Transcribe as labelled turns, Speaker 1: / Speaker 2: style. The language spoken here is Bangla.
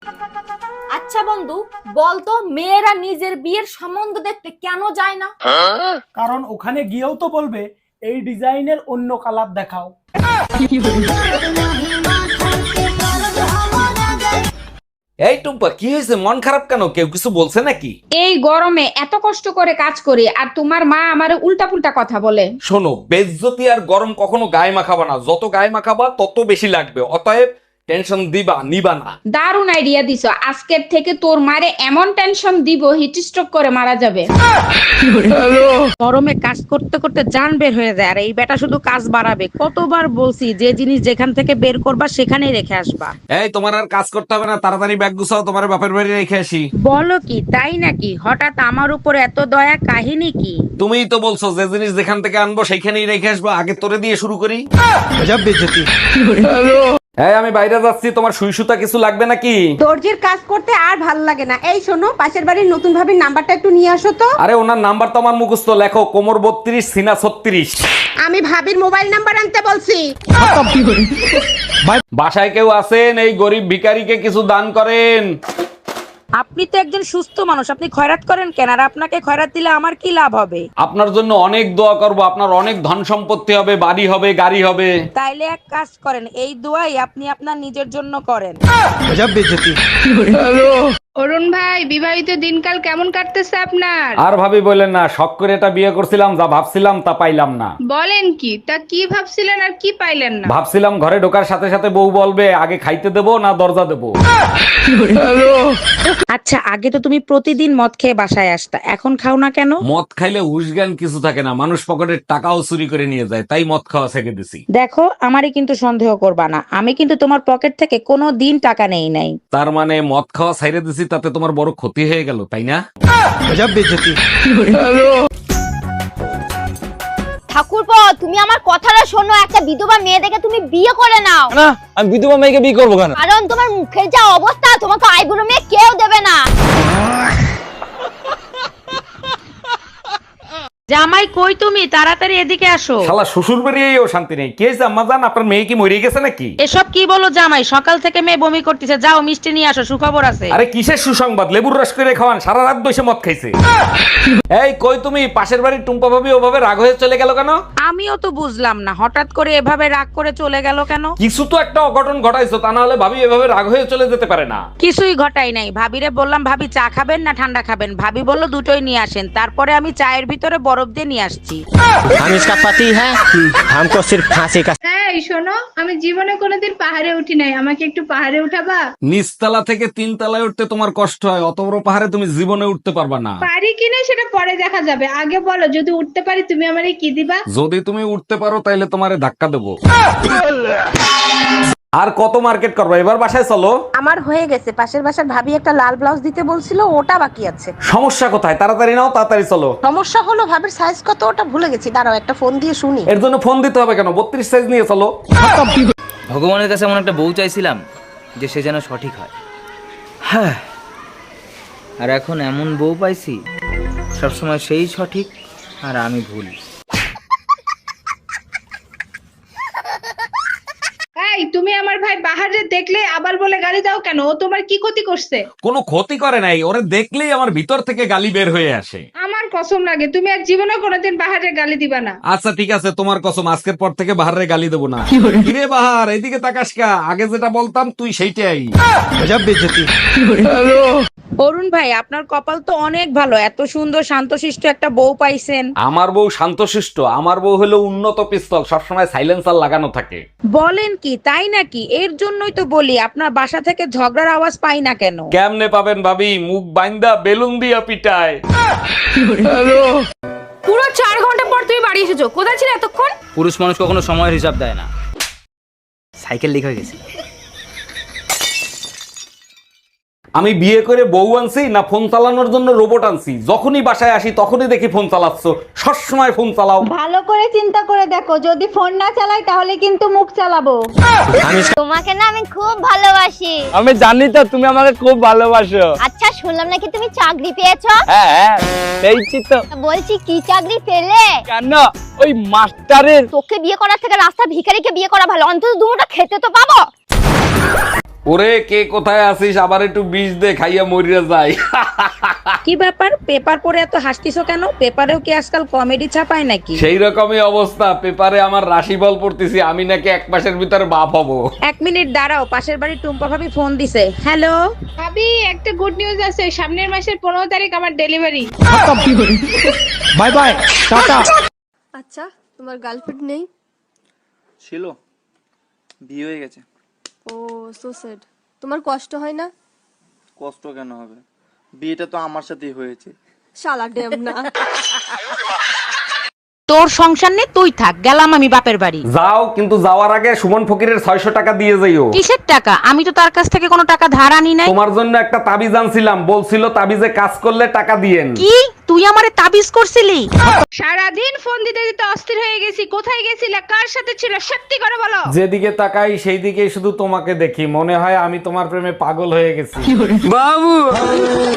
Speaker 1: আচ্ছা বন্ধু, বলতো মেয়েরা নিজের বিয়ের সম্বন্ধ দেখতে কেন যায় না?
Speaker 2: কারণ ওখানে গিয়েও তো বলবে এই ডিজাইনের অন্য কালার দেখাও।
Speaker 3: এই টুম্পা, কি হয়েছে? মন খারাপ কেন? কেউ কিছু বলছে নাকি?
Speaker 4: এই গরমে এত কষ্ট করে কাজ করি আর তোমার মা আমারে উল্টা পুল্টা কথা বলে।
Speaker 3: শোনো, বেজ্জতি আর গরম কখনো গায়ে মাখাবা না। যত গায়ে মাখাবা তত বেশি লাগবে। অতএব টেনশন দিবা নিবা না।
Speaker 4: দারুণ আইডিয়া দিছো, আজকের থেকে তোর মারে এমন টেনশন দিব হিট স্ট্রোক করে মারা যাবে।
Speaker 5: গরমে কাজ করতে করতে জান বের হয়ে যায় আর এই বেটা শুধু কাজ বাড়াবে। কতবার বলছি যে জিনিস যেখান থেকে বের করবা সেখানেই রেখে আসবা।
Speaker 3: এই, তোমার আর কাজ করতে হবে না, তাড়াতাড়ি ব্যাগ গুছাও, তোমার বাপের বাড়ি রেখে আসি।
Speaker 5: বলো কি, তাই নাকি? হঠাৎ আমার উপর এত দয়া, কাহিনী কি?
Speaker 3: তুমিই তো বলছো যে জিনিস যেখান থেকে আনবো সেইখানেই রেখে আসবো। আগে তোরে দিয়ে শুরু করি। এই, আমি বাইরে যাচ্ছি, তোমার সুই সুতা কিছু লাগবে নাকি?
Speaker 6: দর্জির কাজ করতে আর ভাল লাগে না। এই শোনো, পাশের বাড়ির নতুন ভাবির নাম্বারটা একটু নিয়ে আসো তো।
Speaker 3: আরে ওনার নাম্বার তো আমার মুখস্থ, লেখো কোমর 32 সিনা 36।
Speaker 6: আমি ভাবির মোবাইল নাম্বার আনতে বলছি।
Speaker 3: বাসায় কেউ আছেন? এই গরিব ভিখারিকে কিছু দান করেন।
Speaker 5: আপনি তো একজন সুস্থ মানুষ, আপনি খয়রাত করেন কেন? আর আপনাকে খয়রাত দিলে আমার কি লাভ হবে?
Speaker 3: আপনার জন্য অনেক দোয়া করব, আপনার অনেক ধন সম্পত্তি হবে, বাড়ি হবে, গাড়ি হবে।
Speaker 5: তাইলে এক কাজ করেন, এই দোয়াই আপনি আপনার নিজের জন্য করেন।
Speaker 4: অরুণ ভাই, বিবাহিত দিনকাল কেমন কাটতেছে আপনার?
Speaker 3: আর ভাবি বললেন না, শখ করে এটা বিয়ে করছিলাম, যা ভাবছিলাম তা পাইলাম না।
Speaker 4: বলেন কি? তা কি ভাবছিলেন আর কি পাইলেন না?
Speaker 3: ভাবছিলাম ঘরে ঢোকার সাথে সাথে বউ বলবে আগে খাইতে দেবো না দরজা দেবো।
Speaker 5: আচ্ছা, আগে তো তুমি প্রতিদিন মদ খেয়ে বাসায় আসতা, এখন খাও না কেন?
Speaker 3: মদ খাইলে হুশজ্ঞান কিছু থাকে না, মানুষ পকেটের টাকাও চুরি করে নিয়ে যায়, তাই মদ খাওয়া ছেড়ে দিছি।
Speaker 5: দেখো, আমারই কিন্তু সন্দেহ করবা না, আমি কিন্তু তোমার পকেট থেকে কোনো দিন টাকা নেই নাই।
Speaker 3: তার মানে মদ খাওয়া ছেড়ে দিছি, তাতে তোমার বড় ক্ষতি হয়ে গেল, তাই না?
Speaker 1: ঠাকুরপো, তুমি আমার কথাটা শোনো, একটা বিধবা মেয়ে দেখে তুমি বিয়ে করে নাও।
Speaker 7: না, আমি বিধবা মেয়েকে বিয়ে করবো কেন?
Speaker 1: কারণ তোমার মুখের যা অবস্থা, তোমাকে আইবুড়ো মেয়ে কেউ দেবে না।
Speaker 5: জামাই কই তুমি? তাড়াতাড়ি এদিকে আসো।
Speaker 3: শালা শ্বশুর বাড়িয়েও শান্তি নেই। কে আম্মা জান, আপনার মেয়ে কি মরে গেছে নাকি?
Speaker 5: এসব কি বলো জামাই? সকাল থেকে মেয়ে বমি করতেছে, যাও মিষ্টি নিয়ে আসো, সুখবর আছে।
Speaker 3: আরে কিসের সুসংবাদ? লেবুর রস করে খাওয়ান, সারা রাত বসে মদ খাইছে। এই কই তুমি? পাশের বাড়ির টুম্পা ভাবি ওভাবে রাগ হয়ে চলে গেল কেন?
Speaker 5: আমিও তো বুঝলাম না, হঠাৎ করে এভাবে রাগ করে চলে গেল কেন?
Speaker 3: কিছু তো একটা অঘটন ঘটাইছো, তা না হলে ভাবি এভাবে রাগ হয়ে চলে যেতে পারে না।
Speaker 5: কিছুই ঘটাই নাই। ভাবিরে বললাম ভাবি চা খাবেন না ঠান্ডা খাবেন, ভাবি বলল দুটোই নিয়ে আসেন। তারপরে আমি চায়ের ভিতরে বরফ দিয়ে নিয়ে আসছি।
Speaker 7: हम इसका पति है, हमको सिर्फ फांसी का।
Speaker 4: এই শোনো, আমি জীবনে কোনোদিন পাহাড়ে উঠি নাই, আমাকে একটু পাহাড়ে উঠাবা?
Speaker 3: নিচতলা থেকে 3 তলায় উঠতে তোমার কষ্ট হয়, অত বড় পাহাড়ে তুমি জীবনে উঠতে পারবা না।
Speaker 4: পারি কিনা সেটা পরে দেখা যাবে, আগে বলো যদি উঠতে পারি তুমি আমারে কি দিবা?
Speaker 3: যদি তুমি উঠতে পারো তাইলে তোমারে ধাক্কা দেবো। আর কত মার্কেট করবো? এবার বাসায় চলো।
Speaker 6: আমার হয়ে গেছে, পাশের বাসার ভাবি একটা লাল ব্লাউজ দিতে বলছিল, ওটা বাকি আছে।
Speaker 3: সমস্যা কোথায়? তাড়াতাড়ি নাও, তাড়াতাড়ি চলো।
Speaker 6: সমস্যা হলো ভাবির সাইজ কত ওটা ভুলে গেছি, দাঁড়াও একটা ফোন দিয়ে শুনি।
Speaker 3: এর জন্য ফোন দিতে হবে কেন? 32 সাইজ নিয়ে চলো।
Speaker 8: ভগবানের কাছে এমন একটা বউ চাইছিলাম যে সে যেন সঠিক হয়। হ্যাঁ, আর এখন এমন বউ পাইছি সবসময় সেই সঠিক আর আমি ভুল।
Speaker 4: এই তুমি আমার ভাই বাহারে দেখলে আবার বলে গালি দাও কেন? ও তোমার কি ক্ষতি করছে?
Speaker 3: কোনো ক্ষতি করে নাই, ওরে দেখলেই আমার ভিতর থেকে গালি বের হয়ে আসে।
Speaker 4: আমার কসম লাগে তুমি আর জীবনে কোনোদিন বাহারে গালি দিবা না।
Speaker 3: আচ্ছা ঠিক আছে, তোমার কসম, আজকের পর থেকে বাহারে গালি দেবো না। কিরে বাহার, এদিকে তাকাস কা? আগে যেটা বলতাম তুই সেইটাই।
Speaker 5: অরুণ ভাই, আপনার কপাল তো অনেক ভালো, এত সুন্দর শান্তশিষ্ট একটা বউ পাইছেন।
Speaker 3: আমার বউ শান্তশিষ্ট? আমার বউ হলো উন্নত পিস্তল, সবসময় সাইলেন্সার লাগানো থাকে।
Speaker 5: বলেন কি? তাই নাকি? এর জন্যই তো বলি আপনার বাসা থেকে ঝগড়ার আওয়াজ পাই না কেন।
Speaker 3: কেমনে পাবেন ভাবি? মুখ বাইন্দা বেলুন দিয়া পিটায়।
Speaker 1: পুরো 4 ঘন্টা পর তুমি বাড়ি এসেছো, কোথায় ছিলে এতক্ষণ?
Speaker 8: পুরুষ মানুষ কখনো সময়ের হিসাব দেয় না। সাইকেল লিক হয়ে গেছে।
Speaker 3: আমি বিয়ে করে বউ আনছি না ফোন চালানোর জন্য রোবট আনছি? যখনই বাসায় আসি তখনই দেখি ফোন চালাচ্ছ, সবসময় ফোন চালাও।
Speaker 6: ভালো করে চিন্তা করে দেখো, যদি ফোন না চালাই তাহলে কিন্তু মুখ চালাবো।
Speaker 1: তোমাকে না আমি খুব ভালোবাসি।
Speaker 7: আমি জানি তো তুমি আমাকে খুব ভালোবাসো।
Speaker 1: আচ্ছা, শুনলাম নাকি তুমি চাকরি পেয়েছো?
Speaker 7: হ্যাঁ হ্যাঁ, পেয়েছি তো।
Speaker 1: বলছি কি চাকরি পেলে?
Speaker 7: কেন? ওই মাস্টারের।
Speaker 1: তোকে বিয়ে করার থেকে রাস্তা ভিখারিকে বিয়ে করা ভালো, অন্তত দুটো খেতে তো পাবো।
Speaker 3: ওরে কে কোথায় আছিস, আবার একটু বিষ দে, খাইয়া মরিয়া যায়।
Speaker 5: কি ব্যাপার, পেপার পড়ে এত হাসতিছো কেন? পেপারেও কি আজকাল কমেডি ছাপায় নাকি?
Speaker 3: সেই রকমই অবস্থা, পেপারে আমার রাশিফল পড়তেছি, আমি নাকি 1 মাসের ভিতরে বাপ হব।
Speaker 5: 1 মিনিট দাঁড়াও, পাশের বাড়ির টুম্পা ভাবি ফোন দিছে। হ্যালো
Speaker 4: ভাবি, একটা গুড নিউজ আছে, সামনের মাসের 15 তারিখ আমার ডেলিভারি।
Speaker 2: Bye bye, tata.
Speaker 9: আচ্ছা, তোমার গার্লফ্রেন্ড নেই?
Speaker 8: ছিল, বিয়ে হয়ে গেছে।
Speaker 9: ও সো স্যাড। তোমার কষ্ট হয় না?
Speaker 8: কষ্ট কেন হবে, বিয়েটা তো আমার সাথেই হয়েছে।
Speaker 9: শালা ডেম না।
Speaker 5: তোর সংসার নেই, তুই থাক, গেলাম আমি বাপের বাড়ি।
Speaker 3: যাও, কিন্তু যাওয়ার আগে সুমন ফকিরের 600 টাকা দিয়ে যাইও।
Speaker 5: কিসের টাকা? আমি তো তার কাছ থেকে কোনো টাকা ধার আনি নাই।
Speaker 3: তোমার জন্য একটা তাবিজ আনছিলাম, বলছিল তাবিজে কাজ করলে টাকা দিয়েন।
Speaker 5: কি তুই আমারে তাবিজ করছিলি?
Speaker 4: সারাদিন ফোন দিতে দিতে অস্থির হয়ে গেছি। কোথায় গেছিলে, কার সাথে ছিল, সত্যি করে বলো।
Speaker 3: যেদিকে তাকাই সেই দিকেই শুধু তোমাকে দেখি, মনে হয় আমি তোমার প্রেমে পাগল হয়ে গেছি।
Speaker 7: बाबू